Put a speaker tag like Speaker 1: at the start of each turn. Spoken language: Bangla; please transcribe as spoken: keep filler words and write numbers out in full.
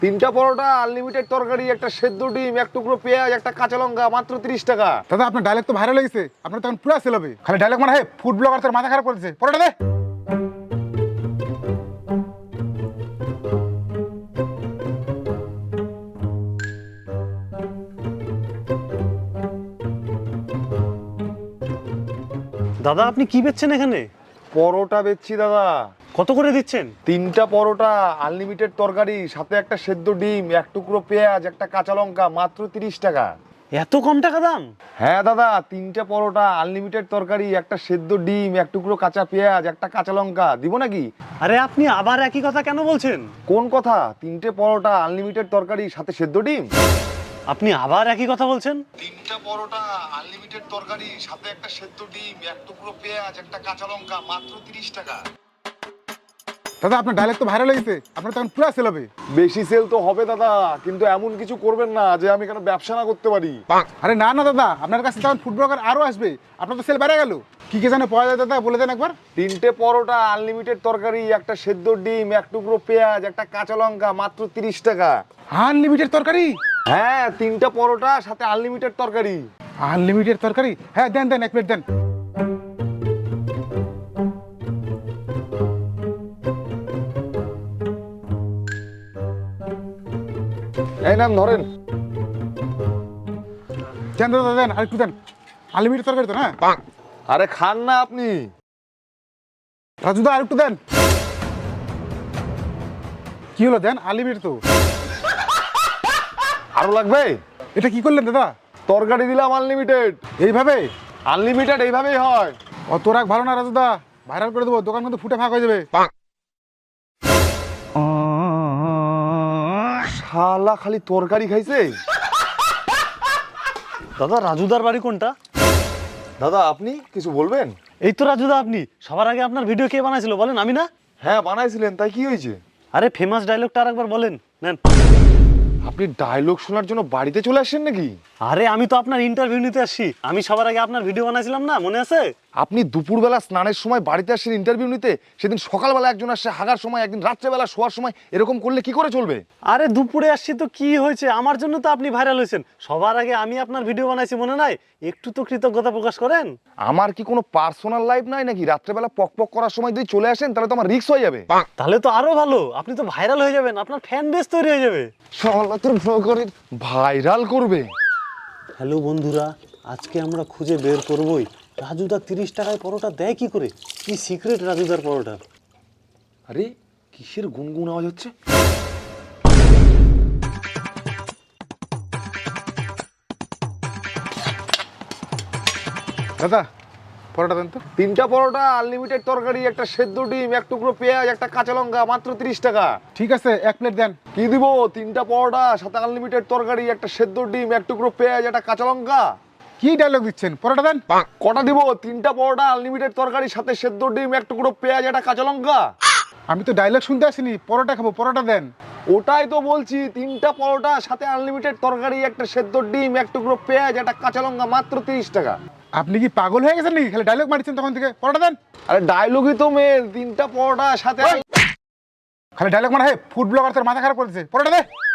Speaker 1: তিনটা পরোটা, আনলিমিটেড তরকারি, একটা সেদ্ধ ডিম, এক টুকরো পেঁয়াজ, একটা কাঁচা লঙ্কা, মাত্র তিরিশ টাকা।
Speaker 2: দাদা আপনার ডায়লগ তো ভাইরাল হয়েছে, আপনার তখন পুরো সেল হবে। খালি ডায়লগ মানে হয় ফুড ব্লগার তোর মাথা খারাপ করেছে। পরোটা দে।
Speaker 3: দাদা আপনি কি বেচছেন এখানে?
Speaker 1: পরোটা বেচছি দাদা।
Speaker 3: কত করে দিচ্ছেন?
Speaker 1: তিনটা পরোটা, আনলিমিটেড তরকারি, সাথে একটা সেদ্ধ ডিম, এক টুকরো পেঁয়াজ, একটা কাঁচা লঙ্কা, মাত্র তিরিশ টাকা।
Speaker 3: এত কম টাকা দাম?
Speaker 1: হ্যাঁ দাদা, তিনটা পরোটা, আনলিমিটেড তরকারি, একটা সেদ্ধ ডিম, এক টুকরো কাঁচা পেঁয়াজ, একটা কাঁচা লঙ্কা, দিব নাকি?
Speaker 3: আরে আপনি আবার একই কথা কেন বলছেন?
Speaker 1: কোন কথা? তিনটে পরোটা, আনলিমিটেড তরকারি, সাথে সেদ্ধ ডিম।
Speaker 3: আপনি আবার একই কথা বলছেন?
Speaker 1: তিনটা পরোটা, আনলিমিটেড তরকারি, সাথে একটা সেদ্ধ ডিম, এক টুকরো পেঁয়াজ, একটা কাঁচা লঙ্কা, মাত্র তিরিশ টাকা।
Speaker 2: দাদা আপনার ডায়লগ তো ভাইরাল হয়েছে, আপনার তখন পুরো সেল হবে।
Speaker 1: বেশি সেল তো হবে দাদা, কিন্তু এমন কিছু করবেন না যে আমি কেন ব্যবসা না করতে পারি।
Speaker 2: আরে না না দাদা, আপনার কাছে তখন ফুড ব্লগার আরো আসবে, আপনার তো সেল বেড়ে গেল। কি কি জানে পাওয়া যায় দাদা, বলে দেন একবার।
Speaker 1: তিনটে পরোটা, আনলিমিটেড তরকারি, একটা সেদ্ধ ডিম, এক টুকরো পেঁয়াজ, একটা কাঁচা লঙ্কা, মাত্র তিরিশ টাকা।
Speaker 2: আনলিমিটেড তরকারি?
Speaker 1: হ্যাঁ, তিনটা পরোটা, সাথে আনলিমিটেড তরকারি।
Speaker 2: আনলিমিটেড তরকারি? হ্যাঁ দেন দেন, এক প্লেট দেন।
Speaker 1: এই নাম ধরেন।
Speaker 2: দেন দাদা দেন, আর একটু দেন। আনলিমিটেড তরকারি তো? হ্যাঁ
Speaker 1: আরে খান না আপনি।
Speaker 2: রাজুদা আর একটু দেন। কি হলো, দেন আনলিমিটেড তো।
Speaker 1: আরো লাগবে?
Speaker 2: এটা কি করলেন দাদা?
Speaker 1: তরকারি দিলাম আনলিমিটেড।
Speaker 2: এইভাবে?
Speaker 1: আনলিমিটেড এইভাবেই হয়।
Speaker 2: অত রাগ ভালো না রাজুদা, ভাইরাল করে দেবো, দোকান কিন্তু ফুটে ফাঁক হয়ে যাবে।
Speaker 1: শালা খালি তরকারি খাইছে।
Speaker 3: দাদা রাজুদার বাড়ি কোনটা?
Speaker 1: দাদা আপনি কিছু বলবেন?
Speaker 3: এই তো রাজুদা, আপনি। সবার আগে আপনার ভিডিও কে বানাইছিল বলেন, আমি না?
Speaker 1: হ্যাঁ বানাইছিলেন, তাই কি হয়েছে?
Speaker 3: আরে ফেমাস ডায়লগটা আরেকবার বলেন। নেন।
Speaker 1: আপনি ডায়লগ শোনার জন্য বাড়িতে চলে আসেন নাকি?
Speaker 3: আরে আমি তো আপনার ইন্টারভিউ নিতে আসছি। আমি সবার আগে আপনার ভিডিও বানাইছিলাম না, মনে আছে?
Speaker 1: আপনি দুপুরবেলা স্নানের সময় বাড়িতে আসেন ইন্টারভিউ নিতে, সেদিন সকালবেলা একজন আসছে হাগার সময়, একদিন রাত্রেবেলা শোয়ার সময়, এরকম করলে কি করে চলবে?
Speaker 3: আরে দুপুরে আসছি তো কি হয়েছে, আমার জন্য তো আপনি ভাইরাল হয়েছেন। সবার আগে আমি আপনার ভিডিও বানাইছি, মনে নাই? একটু তো কৃতজ্ঞতা প্রকাশ করেন।
Speaker 1: আমার কি কোনো পার্সোনাল লাইফ নাই নাকি? রাত্রেবেলা পক পক করার সময় যদি চলে আসেন তাহলে তো আমার রিস্ক হয়ে যাবে।
Speaker 3: তাহলে তো আরো ভালো, আপনি তো ভাইরাল হয়ে যাবেন, আপনার ফ্যান বেস তৈরি হয়ে যাবে।
Speaker 1: ভাইরাল করবে?
Speaker 3: হ্যালো বন্ধুরা, আজকে আমরা খুঁজে বের করবই রাজুদা তিরিশ টাকায় পরোটা দেয় কি করে। কি সিক্রেট রাজুদার পরোটার?
Speaker 1: আরে কিসের গুনগুন আওয়াজ হচ্ছে?
Speaker 2: দাদা পরোটা দেন তো।
Speaker 1: তিনটা পরোটা, আনলিমিটেড তরকারি, একটা সেদ্ধ ডিম, এক টুকরো পেঁয়াজ, একটা কাঁচা লঙ্কা, মাত্র তিরিশ টাকা।
Speaker 2: ঠিক আছে, এক প্লেট দেন।
Speaker 1: কি দিব? তিনটা পরোটা, সাথে আনলিমিটেড তরকারি, একটা সেদ্ধ ডিম, এক টুকরো পেঁয়াজ, একটা কাঁচা লঙ্কা।
Speaker 2: কি ডায়লগ দিচ্ছেন, পরোটা দেন।
Speaker 1: কটা দিব? তিনটা পরোটা, আনলিমিটেড তরকারি, সাথে সেদ্ধ ডিম, এক টুকরো পেঁয়াজ, একটা কাঁচা লঙ্কা।
Speaker 2: আমি তো ডায়লগ শুনতে আসিনি, পরোটা খাবো, পরোটা দেন।
Speaker 1: ওটাই তো বলছি, তিনটা পরোটা, সাথে আনলিমিটেড তরকারি, একটা সেদ্ধ ডিম, এক টুকরো পেঁয়াজ, একটা কাঁচা লঙ্কা, মাত্র তিরিশ টাকা।
Speaker 2: আপনি কি পাগল হয়ে গেছেন নাকি? খালি ডায়লগ মারছেন তখন থেকে, পরোটা দেন।
Speaker 1: আরে ডায়লগই তো মেল, তিনটা পরোটা সাথে।
Speaker 2: খালি ডায়লগ মানে হয় ফুড ব্লগার তোর মাথা খারাপ করেছে। পরোটা দে।